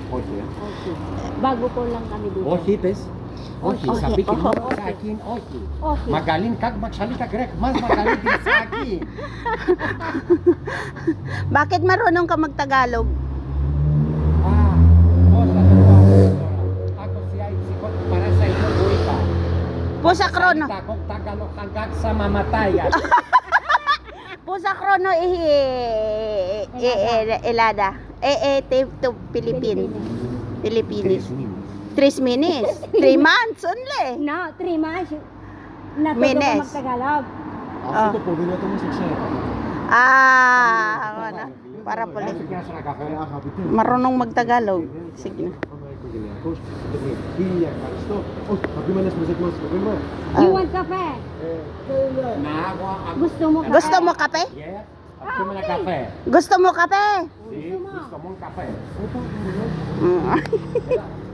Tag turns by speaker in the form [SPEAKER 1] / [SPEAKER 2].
[SPEAKER 1] Okay.
[SPEAKER 2] Okay. Bago po lang kami dito.
[SPEAKER 1] Okay, bes. Okay,
[SPEAKER 2] Okay,
[SPEAKER 1] sabihin mo
[SPEAKER 2] okay.
[SPEAKER 1] sa akin, okay.
[SPEAKER 2] Okay.
[SPEAKER 1] Magaling kang magsalita Grek, mas magaling din sa akin.
[SPEAKER 3] Bakit marunong ka magtagalog?
[SPEAKER 1] Cosa tua, ako siya ay sikot para sa iyo, buhay ka.
[SPEAKER 3] Po sa krono.
[SPEAKER 1] Salita kong Tagalog hanggang sa mamatayan.
[SPEAKER 3] Po sa krono elada. To Philippines. Philippines. 3 minutes. 3 months only.
[SPEAKER 2] No, 3 months. Natuto
[SPEAKER 3] Menes.
[SPEAKER 2] ko magtagalog.
[SPEAKER 3] Ah.
[SPEAKER 4] Ito po, binoto mo sa siya.
[SPEAKER 3] Ano? Para po
[SPEAKER 1] Kaya sa nagkakaroon.
[SPEAKER 4] Kaya kapit yun.
[SPEAKER 3] marunong magtagalog. Sige na.
[SPEAKER 4] Iya, kasto. Oh, sabi mo na sa musik mo. Sabi mo.
[SPEAKER 2] You want cafe?
[SPEAKER 1] Naawa ako.
[SPEAKER 2] Gusto mo kape?
[SPEAKER 3] Gusto mo kape?
[SPEAKER 1] Yes. Ako mo na kape.
[SPEAKER 3] Gusto mo kape?
[SPEAKER 1] Si, gusto mong kape.
[SPEAKER 3] Mm.